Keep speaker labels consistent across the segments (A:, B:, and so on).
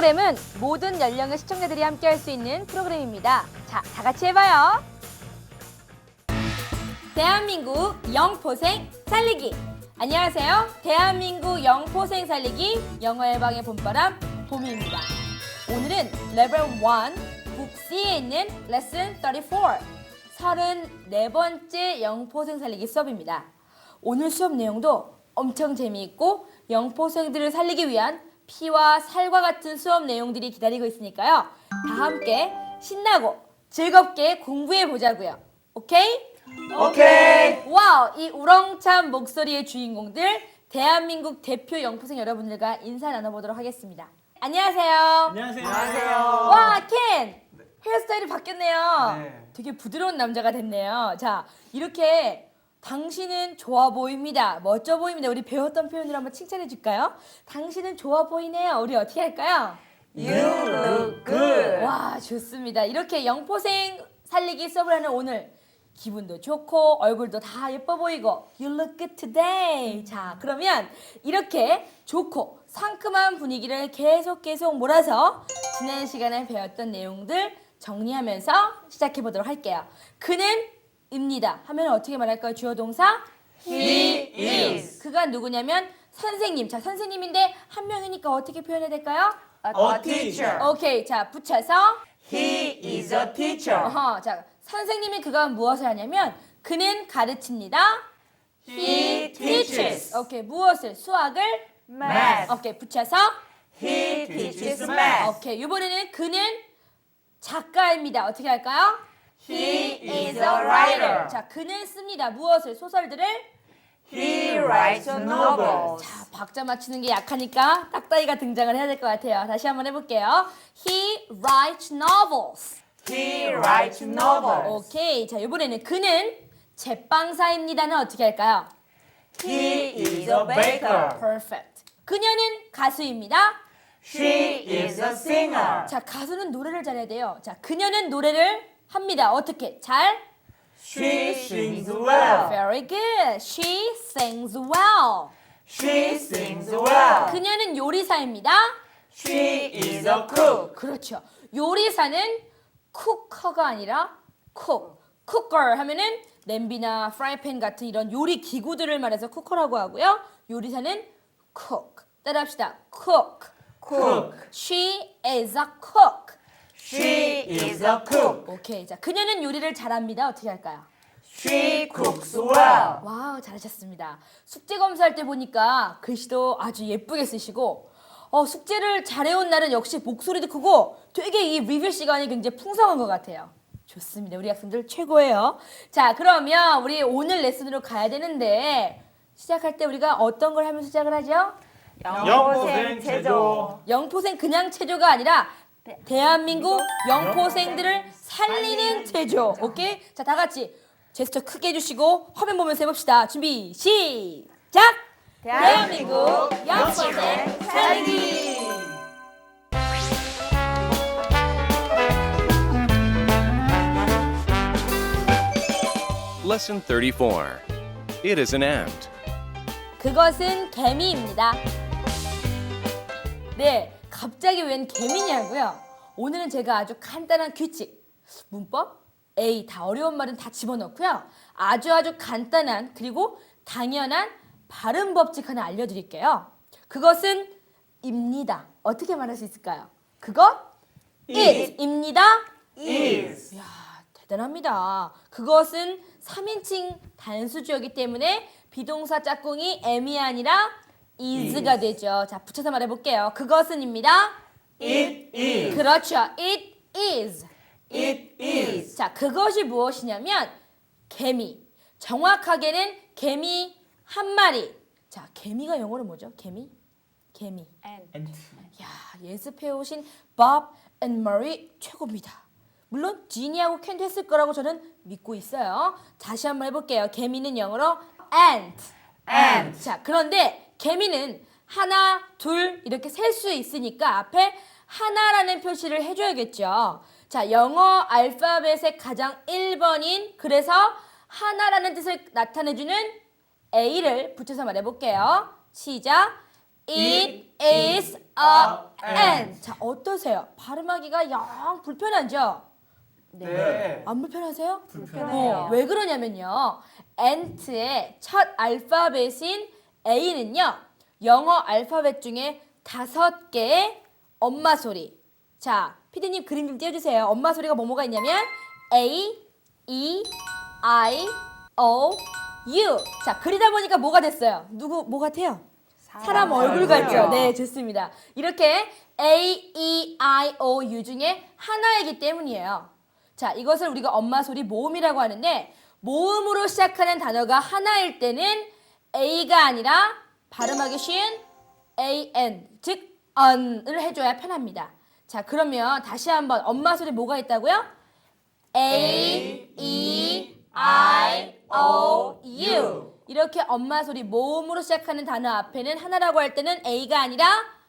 A: 프로그램은 모든 연령의 시청자들이 함께 할 수 있는 프로그램입니다. 자, 다 같이 해봐요. 대한민국 영포생 살리기. 안녕하세요. 대한민국 영포생 살리기 영어 해방의 봄바람 봄입니다. 오늘은 레벨 1 북 C에 있는 레슨 34 34번째 영포생 살리기 수업입니다. 오늘 수업 내용도 엄청 재미있고 영포생들을 살리기 위한 피와 살과 같은 수업 내용들이 기다리고 있으니까요. 다 함께 신나고 즐겁게 공부해 보자고요. 오케이?
B: 오케이.
A: 와우, 이 우렁찬 목소리의 주인공들 대한민국 대표 영포생 여러분들과 인사 나눠보도록 하겠습니다. 안녕하세요.
B: 안녕하세요.
A: 와, 켄! 헤어스타일이 바뀌었네요.
B: 네.
A: 되게 부드러운 남자가 됐네요. 자, 이렇게 당신은 좋아 보입니다. 멋져 보입니다. 우리 배웠던 표현으로 한번 칭찬해 줄까요? 당신은 좋아 보이네요. 우리 어떻게 할까요?
B: You look good.
A: 와, 좋습니다. 이렇게 영포생 살리기 수업을 하는 오늘 기분도 좋고 얼굴도 다 예뻐 보이고 You look good today. 자, 그러면 이렇게 좋고 상큼한 분위기를 계속 몰아서 지난 시간에 배웠던 내용들 정리하면서 시작해 보도록 할게요. 그는 입니다 하면 어떻게 말할까요? 주어 동사
B: He is.
A: 그가 누구냐면 선생님. 자, 선생님인데 한 명이니까 어떻게 표현해야 될까요?
B: A teacher.
A: 오케이. 자, 붙여서
B: He is a teacher.
A: 자, 선생님이 그가 무엇을 하냐면 그는 가르칩니다.
B: He teaches.
A: 오케이. 무엇을? 수학을
B: Math.
A: 오케이. 붙여서
B: He teaches math.
A: 오케이. 이번에는 그는 작가입니다. 어떻게 할까요?
B: He is a writer.
A: 자, 그는 씁니다. 무엇을? 소설들을
B: He writes novels.
A: 자, 박자 맞추는 게 약하니까 딱따이가 등장을 해야 될 것 같아요. 다시 한번 해볼게요. He writes novels.
B: He writes novels.
A: 오케이. 자, 이번에는 그는 제빵사입니다는 어떻게 할까요?
B: He is a baker.
A: Perfect. 그녀는 가수입니다.
B: She is a singer.
A: 자, 가수는 노래를 잘해야 돼요. 자, 그녀는 노래를 합니다. 어떻게? 잘?
B: She sings well.
A: Very good. She sings well.
B: She sings well.
A: 그녀는 요리사입니다.
B: She is a cook.
A: 그렇죠. 요리사는 쿠커가 아니라 쿡. 쿠커 하면은 냄비나 프라이팬 같은 이런 요리 기구들을 말해서 쿠커라고 하고요. 요리사는 cook. 따라합시다. cook.
B: Cook.
A: She is a cook.
B: She is a cook.
A: 오케이. 자, 그녀는 요리를 잘합니다. 어떻게 할까요?
B: She cooks well.
A: 와우, 잘하셨습니다. 숙제 검사할 때 보니까 글씨도 아주 예쁘게 쓰시고 숙제를 잘해온 날은 역시 목소리도 크고 되게 이 리뷰 시간이 굉장히 풍성한 것 같아요. 좋습니다. 우리 학생들 최고예요. 자, 그러면 우리 오늘 레슨으로 가야 되는데 시작할 때 우리가 어떤 걸 하면서 시작을 하죠?
B: 영포생 체조.
A: 영포생 그냥 체조가 아니라 대한민국 영포생들을 살리는 체조. 오케이? 자, 다 같이 제스처 크게 해주시고 화면 보면서 해봅시다. 준비, 시작! 대한민국 영포생 살리기!
C: Lesson 34. It is an ant.
A: 그것은 개미입니다. 네, 갑자기 웬 개미냐고요? 오늘은 제가 아주 간단한 규칙, 문법, A 다 어려운 말은 다 집어넣고요. 아주 간단한 그리고 당연한 발음 법칙 하나 알려드릴게요. 그것은 입니다. 어떻게 말할 수 있을까요? 그것 it입니다.
B: is.
A: 이야, 대단합니다. 그것은 3인칭 단수주어이기 때문에 비동사 짝꿍이 am이 아니라 is가 되죠. 자, 붙여서 말해볼게요. 그것은입니다.
B: It is.
A: 그렇죠. It is.
B: It is.
A: 자, 그것이 무엇이냐면 개미. 정확하게는 개미 한 마리. 자, 개미가 영어로 뭐죠? 개미?
B: And.
A: 야, 예습해오신 Bob and Murray 최고입니다. 물론 지니하고 캔도 했을 거라고 저는 믿고 있어요. 다시 한번 해볼게요. 개미는 영어로 ant.
B: Ant.
A: 자, 그런데 개미는 하나, 둘 이렇게 셀 수 있으니까 앞에 하나라는 표시를 해줘야겠죠. 자, 영어 알파벳의 가장 1번인 그래서 하나라는 뜻을 나타내주는 A를 붙여서 말해볼게요. 시작. It is a ant. 자, 어떠세요? 발음하기가 영 불편하죠?
B: 네.
A: 안 불편하세요?
B: 불편해요.
A: 왜 그러냐면요. ant의 첫 알파벳인 A는요. 영어 알파벳 중에 5개의 엄마 소리. 자, 피디님 그림 좀 띄워주세요. 엄마 소리가 뭐가 있냐면 A, E, I, O, U. 자, 그리다 보니까 뭐가 됐어요? 뭐 같아요? 사람 얼굴 같죠? 네, 좋습니다. 이렇게 A, E, I, O, U 중에 하나이기 때문이에요. 자, 이것을 우리가 엄마 소리 모음이라고 하는데 모음으로 시작하는 단어가 하나일 때는 A가 아니라 발음하기 쉬운 AN, 즉 on을 해줘야 편합니다. 자, 그러면 다시 한번 엄마 소리 뭐가 있다고요? A, E, I, O, U. 이렇게 엄마 소리 모음으로 시작하는 단어 앞에는 하나라고 할 때는 A가 아니라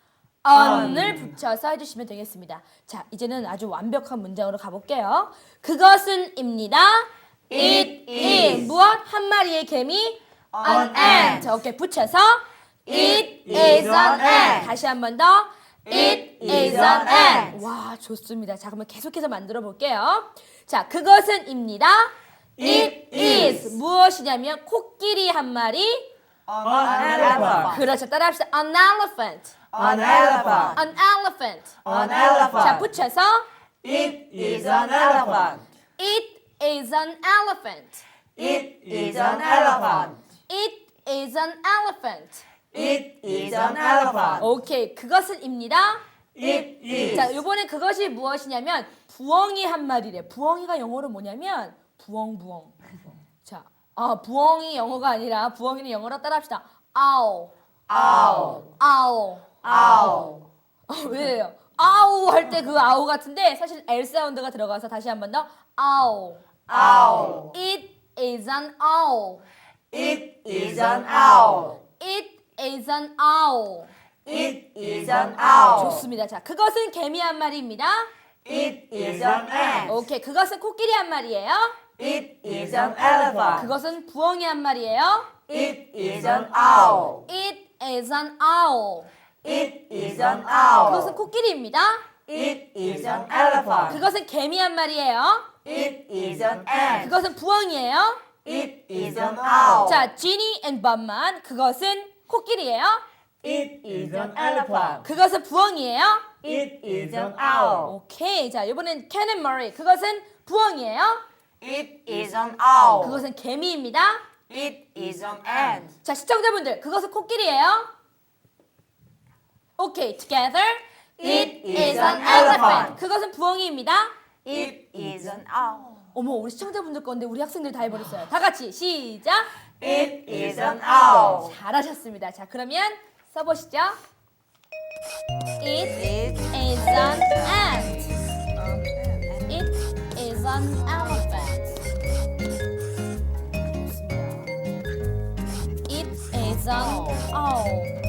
A: on을 붙여서 해주시면 되겠습니다. 자, 이제는 아주 완벽한 문장으로 가볼게요. 그것은입니다. It is. 무엇? 한 마리의 개미. An ant. 오케이, 붙여서 It is an ant. 다시 한 번 더. It is an ant. 와, 좋습니다. 자, 그러면 계속해서 만들어 볼게요. 자, 그것은입니다. It is. 무엇이냐면 코끼리 한 마리.
B: An elephant.
A: 그렇죠. 따라합시다. An elephant.
B: An elephant.
A: An elephant.
B: An elephant.
A: 자, 붙여서
B: It is an elephant.
A: It is an elephant.
B: It is an elephant.
A: It is an elephant.
B: It is an elephant.
A: 오케이, 그것은입니다.
B: It is.
A: 자, 이번에 그것이 무엇이냐면 부엉이 한 마리래. 부엉이가 영어로 뭐냐면 부엉부엉. 자, 부엉이 영어가 아니라 부엉이는 영어로 따라합시다. owl.
B: Owl.
A: owl.
B: Owl.
A: 왜요? 아우 할 때 그 아우 같은데 사실 L 사운드가 들어가서 다시 한 번 더 owl.
B: Owl.
A: It is an owl.
B: It is an owl.
A: It is an owl.
B: It is an owl.
A: 좋습니다. 자, 그것은 개미 한 마리입니다.
B: It is an ant.
A: 오케이, 그것은 코끼리 한 마리예요.
B: It is an elephant.
A: 그것은 부엉이 한 마리예요.
B: It is an owl.
A: It is an owl.
B: It is an owl.
A: 그것은 코끼리입니다.
B: It is an elephant.
A: 그것은 개미 한 마리예요.
B: It is an ant.
A: 그것은 부엉이에요.
B: It is an owl.
A: 자, 지니 앤 밤만 그것은 코끼리예요.
B: It is an elephant.
A: 그것은 부엉이에요.
B: It is an owl.
A: 오케이, 자, 이번엔 캔 앤 머리 그것은 부엉이에요.
B: It is an owl.
A: 그것은 개미입니다.
B: It is an ant.
A: 자, 시청자분들 그것은 코끼리예요. 오케이, together.
B: It is an elephant.
A: 그것은 부엉이입니다.
B: It is an owl.
A: 어머, 우리 시청자분들 건데 우리 학생들이 다 해버렸어요. 다 같이 시작.
B: It is an owl.
A: 잘하셨습니다. 자, 그러면 써보시죠. It
B: It
A: is an ant. It is an elephant. 좋습니다. It is an owl.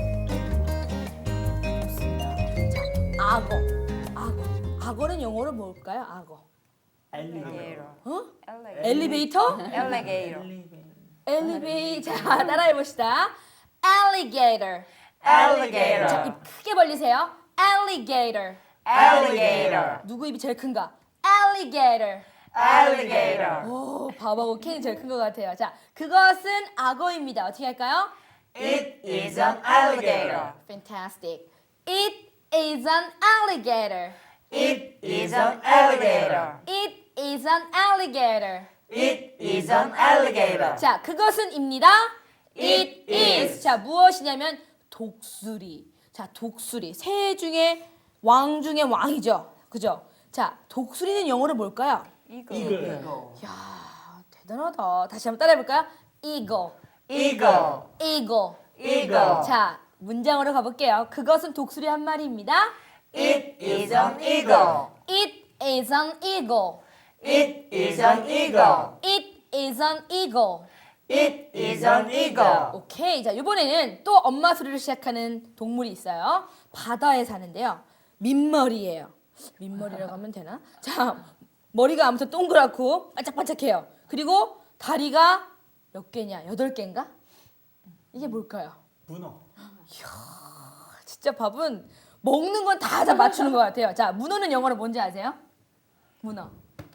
A: 자, 악어. 악어는 영어로 뭘까요? 악어.
B: alligator.
A: 어? 엘리베이터?
B: Alligator.
A: 엘리베이터. 자, 따라해봅시다. alligator.
B: Alligator.
A: 자, 입 크게 벌리세요. alligator.
B: Alligator.
A: 누구 입이 제일 큰가? alligator.
B: Alligator.
A: 오, 밥하고 캔이 제일 큰 것 같아요. 자, 그것은 악어입니다. 어떻게 할까요?
B: It is an alligator.
A: Fantastic. It is an alligator.
B: It is an alligator.
A: It is an alligator.
B: It is an alligator.
A: 자, 그것은입니다. It is. 자, 무엇이냐면 독수리. 자, 독수리. 새 중에 왕 중에 왕이죠. 그죠? 자, 독수리는 영어로 뭘까요?
B: Eagle.
A: 야, 대단하다. 다시 한번 따라해볼까요? Eagle.
B: Eagle.
A: Eagle.
B: Eagle.
A: 자, 문장으로 가볼게요. 그것은 독수리 한 마리입니다.
B: It is an eagle.
A: It is an eagle.
B: It is an eagle.
A: It is an eagle.
B: It is an eagle.
A: 오케이. 자, 이번에는 또 엄마 소리로 시작하는 동물이 있어요. 바다에 사는데요. 민머리예요. 민머리라고 하면 되나? 자, 머리가 아무튼 동그랗고 반짝반짝해요. 그리고 다리가 몇 개냐? 8개인가? 이게 뭘까요?
D: 문어.
A: 진짜 밥은 먹는 건 다 맞추는 것 같아요. 자, 문어는 영어로 뭔지 아세요? 문어.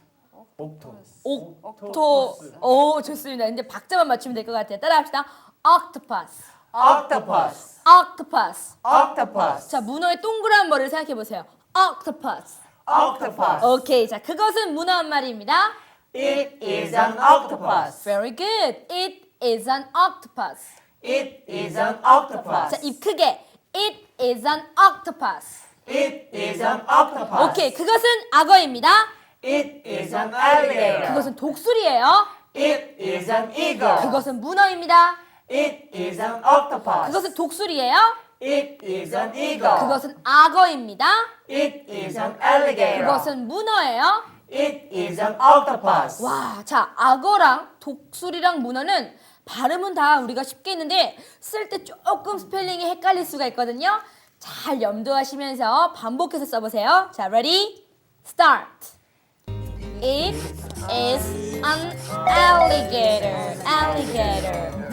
A: 옥토. 오, 좋습니다. 근데 박자만 맞추면 될 것 같아요. 따라합시다. octopus.
B: octopus,
A: octopus.
B: octopus,
A: 자, 문어의 동그란 머리를 생각해 보세요. octopus.
B: octopus.
A: 오케이. 자, 그것은 문어 한 마리입니다.
B: It is an octopus.
A: Very good. It is an octopus.
B: It is an octopus.
A: 자, 입 크게. It is an octopus.
B: It is an octopus.
A: 오케이. 그것은 악어입니다.
B: It is an alligator.
A: 그것은 독수리예요.
B: It is an eagle.
A: 그것은 문어입니다.
B: It is an octopus.
A: 그것은 독수리예요.
B: It is an eagle.
A: 그것은 악어입니다.
B: It is an alligator.
A: 그것은 문어예요.
B: It is an octopus.
A: 와, 자, 악어랑 독수리랑 문어는 발음은 다 우리가 쉽게 했는데 쓸 때 조금 스펠링이 헷갈릴 수가 있거든요. 잘 염두하시면서 반복해서 써보세요. 자, ready? Start. It is an alligator. alligator.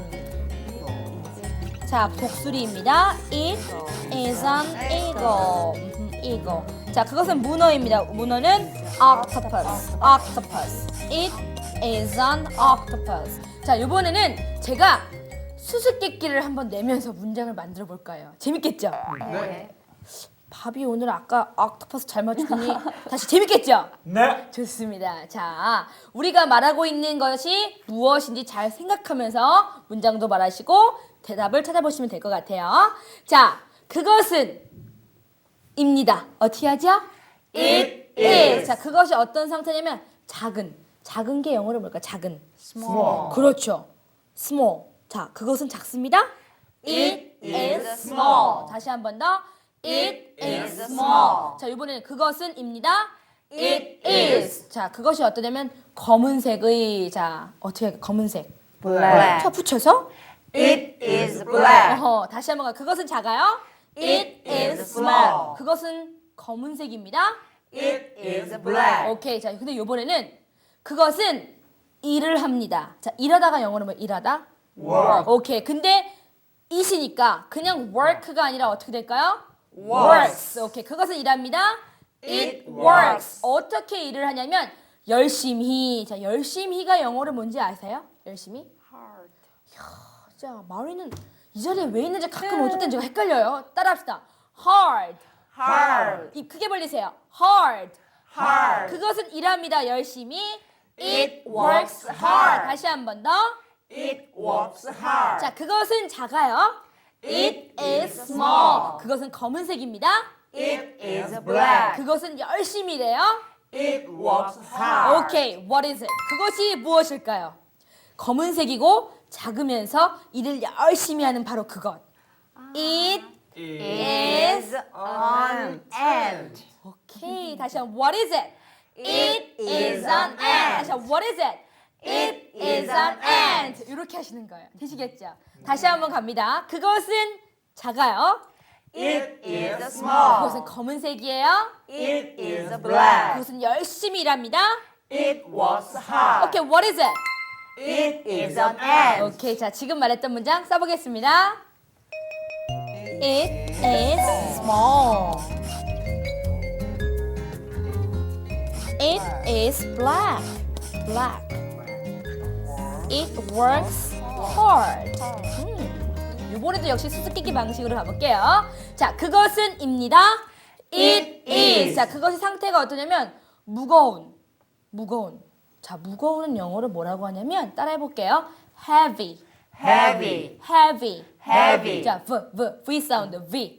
A: 자, 독수리입니다. It is an eagle. eagle. 자, 그것은 문어입니다. 문어는 octopus. octopus. It is an octopus. 자, 이번에는 제가 수수께끼를 한번 내면서 문장을 만들어 볼까요? 재밌겠죠?
B: 네.
A: 밥이 오늘 아까 octopus 잘 맞추더니 다시 재밌겠죠?
B: 네.
A: 좋습니다. 자, 우리가 말하고 있는 것이 무엇인지 잘 생각하면서 문장도 말하시고 대답을 찾아보시면 될 것 같아요. 자, 그것은 입니다. 어떻게 하죠?
B: It is.
A: 자, 그것이 어떤 상태냐면 작은 게 영어로 뭘까? 작은.
B: Small.
A: 그렇죠. small. 자, 그것은 작습니다.
B: It is small.
A: 다시 한 번 더. It is
B: is
A: small. 자, 이번에는 그것은 입니다.
B: It is.
A: 자, 그것이 어떠냐면 검은색의 자, 어떻게 할까? 검은색.
B: Black.
A: 자, 붙여서
B: It is black.
A: 다시 한번 가. 그것은 작아요.
B: It is small.
A: 그것은 검은색입니다.
B: It is black.
A: 오케이. 자, 근데 이번에는 그것은 일을 합니다. 자, 일하다가 영어로 뭐 일하다?
B: Work.
A: 오케이. 근데 it이니까 그냥 work가 아니라 어떻게 될까요?
B: Works.
A: 오케이. 그것은 일합니다.
B: It works.
A: 어떻게 일을 하냐면 열심히. 자, 열심히가 영어로 뭔지 아세요? 열심히?
B: Hard.
A: 자, 마리는 이 자리에 왜 있는지 가끔 어떨 땐 제가 헷갈려요. 따라합시다. hard.
B: Hard.
A: 입 크게 벌리세요. hard.
B: Hard.
A: 그것은 일합니다. 열심히.
B: It works hard.
A: 다시 한 번 더.
B: It works hard.
A: 자, 그것은 작아요.
B: It is
A: small. 그것은 검은색입니다.
B: It is black.
A: 그것은 열심히 일해요.
B: It works hard.
A: 오케이. What is it? 그것이 무엇일까요? 검은색이고 작으면서 일을 열심히 하는 바로 그것. It is
B: an ant.
A: 오케이. 다시 한번 What is it?
B: It is an ant.
A: 다시 한번 What is it? It is an ant. 이렇게 하시는 거예요. 되시겠죠? 다시 한번 갑니다. 그것은 작아요.
B: It is small.
A: 그것은 검은색이에요.
B: It is black.
A: 그것은 열심히 일합니다.
B: It works hard.
A: 오케이, what is it?
B: It is an ant.
A: 오케이, 자, 지금 말했던 문장 써보겠습니다. It is small. It is black. Black. It works hard. 이번에도 역시 수수께끼 방식으로 가볼게요. 자, 그것은 입니다. It is. 자, 그것의 상태가 어떠냐면 무거운. 자, 무거운은 영어로 뭐라고 하냐면 따라해볼게요. Heavy.
B: Heavy.
A: Heavy.
B: Heavy.
A: 자, V 사운드.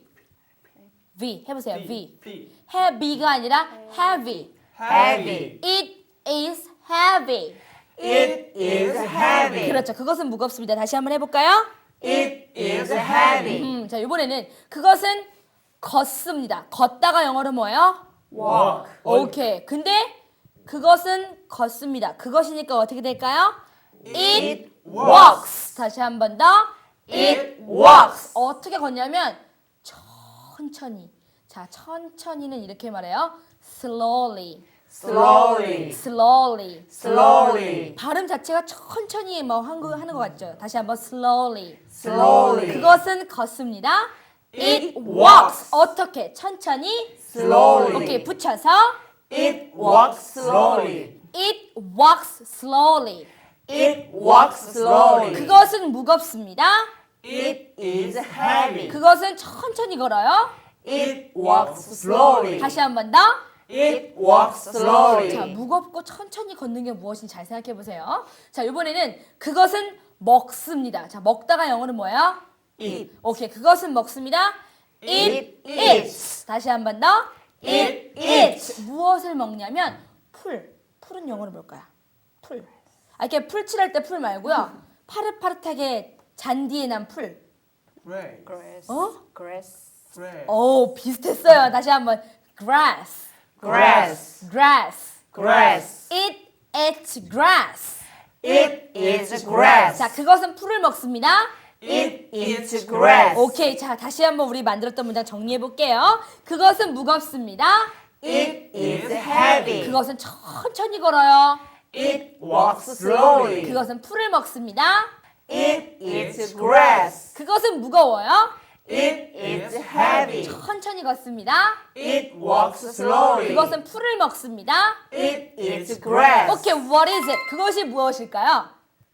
A: V 해보세요. V.
B: P.
A: Heavy가 아니라 heavy.
B: Heavy.
A: It is heavy.
B: It is heavy.
A: 그렇죠. 그것은 무겁습니다. 다시 한번 해볼까요?
B: It is heavy.
A: 자, 이번에는 그것은 걷습니다. 걷다가 영어로 뭐예요?
B: Walk.
A: 오케이. 근데 그것은 걷습니다. 그것이니까 어떻게 될까요? It walks. 다시 한 번 더.
B: It walks.
A: 어떻게 걷냐면 천천히. 자, 천천히는 이렇게 말해요. Slowly.
B: Slowly.
A: Slowly.
B: Slowly.
A: 발음 자체가 천천히 뭐 하는 것 같죠? 다시 한번 slowly.
B: Slowly.
A: 그것은 걷습니다. It walks. 어떻게? 천천히.
B: Slowly.
A: 오케이, 붙여서.
B: It walks slowly.
A: It walks slowly.
B: It walks slowly.
A: 그것은 무겁습니다.
B: It is heavy.
A: 그것은 천천히 걸어요.
B: It walks slowly.
A: 다시 한 번 더.
B: It walks slowly.
A: 자, 무겁고 천천히 걷는 게 무엇인지 잘 생각해 보세요. 자, 이번에는 그것은 먹습니다. 자, 먹다가 영어는 뭐예요?
B: Eat.
A: 오케이, 그것은 먹습니다. It
B: It
A: eats. 다시 한 번 더.
B: It eats.
A: 무엇을 먹냐면 풀. 풀은 영어로 뭘까요? 풀. 아, 이렇게 풀 칠할 때 풀 말고요. 파릇파릇하게 잔디에 난 풀.
B: Grace.
D: Grass.
A: 어?
D: Grass.
B: Grace.
A: 오, 비슷했어요. 다시 한번. Grass.
B: Grass.
A: Grass.
B: Grass.
A: It eats grass.
B: It is grass.
A: 자, 그것은 풀을 먹습니다.
B: It eats grass.
A: 오케이, 자, 다시 한번 우리 만들었던 문장 정리해 볼게요. 그것은 무겁습니다.
B: It is heavy.
A: 그것은 천천히 걸어요.
B: It walks slowly.
A: 그것은 풀을 먹습니다.
B: It eats grass.
A: 그것은 무거워요.
B: It is heavy.
A: 천천히 걷습니다.
B: It walks slowly.
A: 그것은 풀을 먹습니다.
B: It eats grass.
A: 오케이, what is it? 그것이 무엇일까요?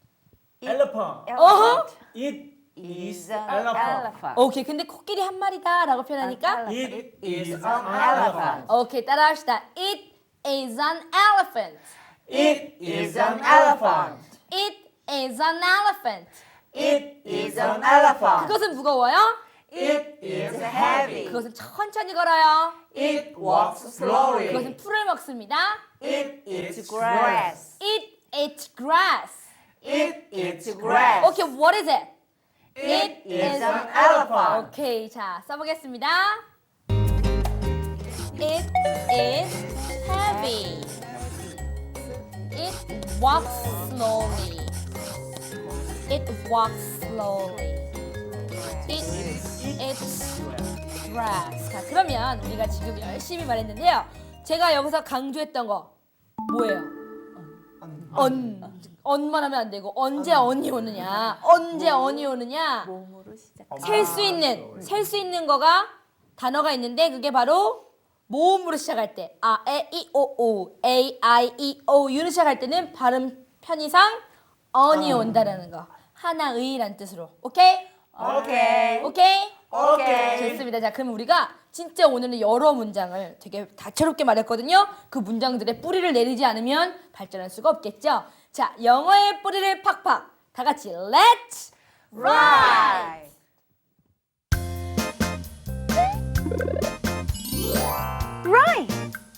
B: Elephant.
A: 어허.
B: It
D: Is
B: is
D: an
B: elephant.
D: elephant.
A: 오케이, 근데 코끼리 한 마리다라고 표현하니까
B: It is an elephant.
A: 오케이, 따라합시다. It is an elephant.
B: It is an elephant.
A: It is an elephant.
B: It is an elephant.
A: 그것은 무거워요.
B: It is heavy.
A: 그것은 천천히 걸어요.
B: It walks slowly.
A: 그것은 풀을 먹습니다.
B: It eats grass.
A: It eats grass.
B: It eats grass.
A: 오케이, what is it?
B: It is an elephant.
A: 오케이, 자, 써보겠습니다. It is heavy. It walks slowly. It walks slowly. It eats grass. 자, 그러면 우리가 지금 열심히 말했는데요. 제가 여기서 강조했던 거 뭐예요? 언만 하면 안 되고 언제 언이 오느냐? 언제 언이 오느냐?
D: 몸으로 시작.
A: 셀 수 있는 거가 단어가 있는데 그게 바로 모음으로 시작할 때 에, 이, 오, a, i, e, o, u로 시작할 때는 발음 편의상 언이 온다라는 거. 하나의란 뜻으로. 오케이?
B: Okay.
A: 오케이?
B: Okay.
A: 좋습니다. 자, 그럼 우리가 진짜 오늘은 여러 문장을 되게 다채롭게 말했거든요. 그 문장들의 뿌리를 내리지 않으면 발전할 수가 없겠죠. 자, 영어의 뿌리를 팍팍. 다 같이 Let's
D: Right. Right.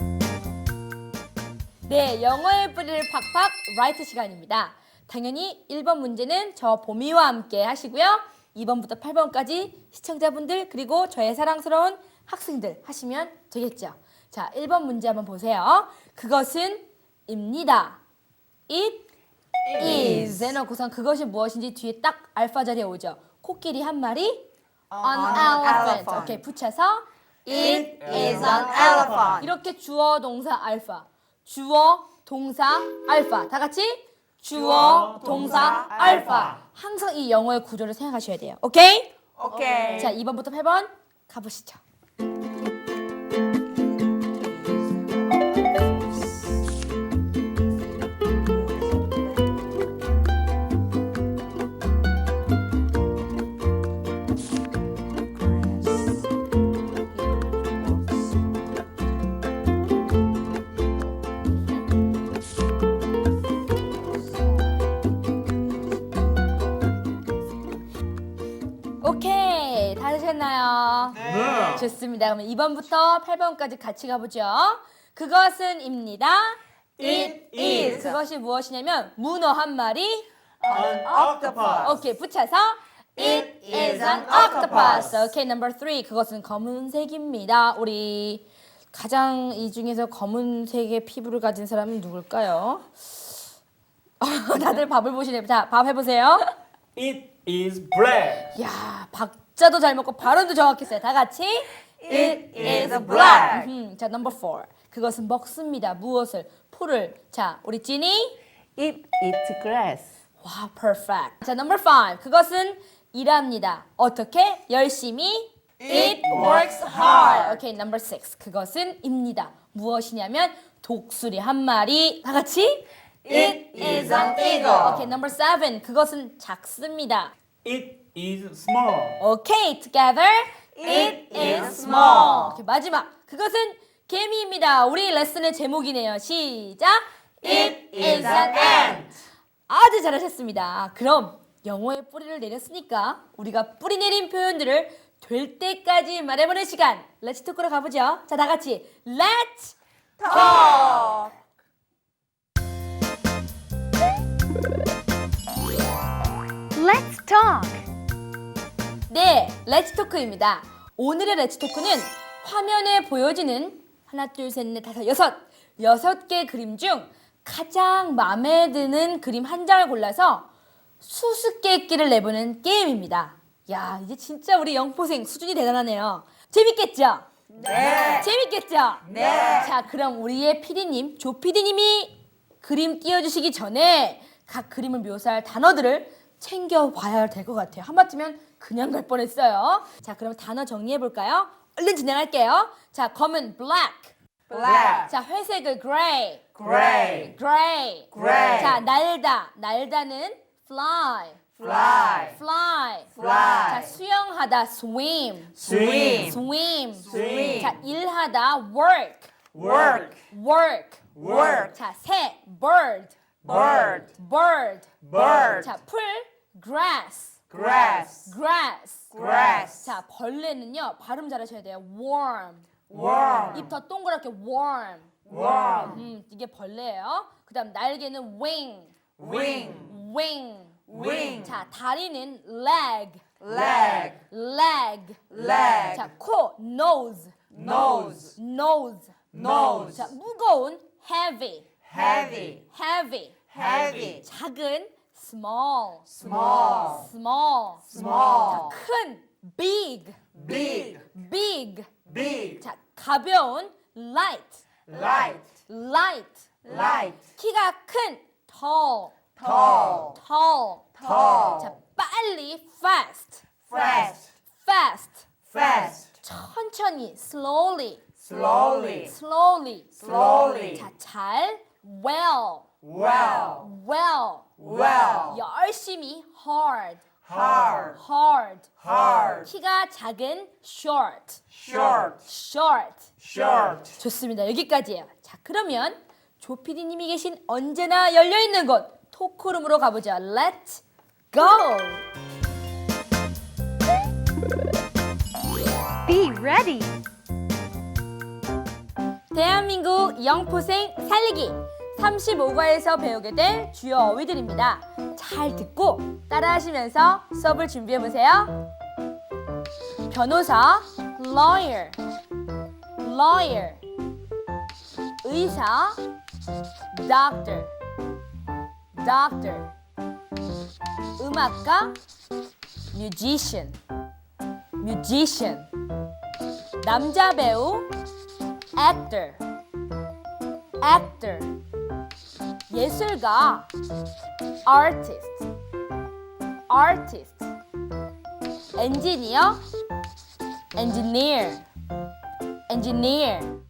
A: 네, 영어의 뿌리를 팍팍 라이트 시간입니다. 당연히 1번 문제는 저 보미와 함께 하시고요. 2번부터 8번까지 시청자분들 그리고 저의 사랑스러운 학생들 하시면 되겠죠. 자, 1번 문제 한번 보세요. 그것은 입니다. It is 해놓고선 그것이 무엇인지 뒤에 딱 알파 자리에 오죠. 코끼리 한 마리 An elephant. 오케이, 붙여서
B: It is an elephant.
A: 이렇게 주어 동사 알파 주어 동사 알파 다 같이 주어 동사 알파 항상 이 영어의 구조를 생각하셔야 돼요. 오케이?
B: Okay.
A: 자, 2번부터 8번 가보시죠. 오케이, 다 되셨나요?
B: 네.
A: 좋습니다. 그러면 2번부터 8번까지 같이 가보죠. 그것은입니다.
B: It is.
A: 그것이 무엇이냐면 문어 한 마리.
B: An octopus.
A: 오케이, 붙여서 It is an octopus. 오케이, number 3. 그것은 검은색입니다. 우리 가장 이 중에서 검은색의 피부를 가진 사람은 누굴까요? 다들 밥을 보시네요. 자, 밥 해보세요.
B: It is black.
A: 야, 박자도 잘 먹고 발음도 정확했어요. 다 같이
B: It is black.
A: 자, number 4. 그것은 먹습니다. 무엇을? 풀을. 자, 우리 찐이.
D: It eats grass.
A: 와, perfect. 자, number 5. 그것은 일합니다. 어떻게? 열심히. It works hard. 오케이, number 6. 그것은 입니다. 무엇이냐면 독수리 한 마리. 다 같이.
B: It is an eagle.
A: 오케이, number 7. 그것은 작습니다.
B: It is small.
A: 오케이, together.
B: It is small.
A: 오케이, 마지막. 그것은 개미입니다. 우리 레슨의 제목이네요. 시작.
B: It is an ant.
A: 아주 잘하셨습니다. 그럼 영어의 뿌리를 내렸으니까 우리가 뿌리 내린 표현들을 될 때까지 말해보는 시간. 렛츠 토크로 가보죠. 자, 다 같이 렛츠
B: Talk.
D: Let's talk.
A: 네, 렛츠 토크입니다. 오늘의 렛츠 토크는 화면에 보여지는 하나, 둘, 셋, 넷, 다섯, 여섯 개 그림 중 가장 마음에 드는 그림 한 장을 골라서 수수께끼를 내보는 게임입니다. 야, 이제 진짜 우리 영포생 수준이 대단하네요. 재밌겠죠?
B: 네.
A: 재밌겠죠?
B: 네.
A: 자, 그럼 우리의 PD님, 조 PD님이 그림 띄워주시기 전에 각 그림을 묘사할 단어들을 챙겨봐야 될 것 같아요. 한마디면 그냥 갈 뻔했어요. 자, 그럼 단어 정리해볼까요? 얼른 진행할게요. 자, 검은 black.
B: Black.
A: 자, 회색은 gray.
B: Gray.
A: gray.
B: Gray.
A: 자, 날다. 날다는 fly.
B: Fly.
A: fly.
B: Fly.
A: 자, 수영하다 swim.
B: Swim.
A: swim.
B: Swim.
A: 자, 일하다 work.
B: Work.
A: work.
B: Work.
A: 자, 새 bird.
B: Bird.
A: bird.
B: Bird.
A: 자, 풀 grass.
B: Grass.
A: grass.
B: Grass.
A: 자, 벌레는요. 발음 잘하셔야 돼요. worm.
B: Worm.
A: 입 더 동그랗게 worm.
B: Worm.
A: 이게 벌레예요. 그다음 날개는 wing.
B: Wing.
A: wing.
B: Wing.
A: 자, 다리는 leg.
B: Leg.
A: leg.
B: Leg.
A: 자, 코 nose.
B: Nose.
A: nose.
B: Nose.
A: 자, 무거운 heavy.
B: Heavy.
A: heavy.
B: Heavy.
A: 작은 small.
B: Small.
A: small.
B: Small.
A: 자, 큰 big.
B: Big.
A: big.
B: Big.
A: 자, 가벼운 light.
B: Light.
A: light.
B: Light.
A: 키가 큰 tall.
B: Tall.
A: tall.
B: Tall.
A: 자, 빨리 fast.
B: Fast.
A: fast.
B: Fast.
A: 천천히 slowly.
B: Slowly.
A: slowly.
B: Slowly.
A: 자, 잘 well.
B: Well.
A: well.
B: Well.
A: 열심히 hard.
B: Hard.
A: hard.
B: Hard.
A: 키가 작은 short.
B: Short.
A: short.
B: Short.
A: 좋습니다. 여기까지예요. 자, 그러면 조 PD님이 계신 언제나 열려있는 곳 토크룸으로 가보죠. Let's go!
D: Be ready.
A: 대한민국 영포생 살리기 35과에서 배우게 될 주요 어휘들입니다. 잘 듣고 따라하시면서 수업을 준비해보세요. 변호사 lawyer. lawyer. 의사 doctor. doctor. 음악가 musician. musician. 남자 배우 actor. actor. 예술가 artist. artist. 엔지니어 engineer. engineer.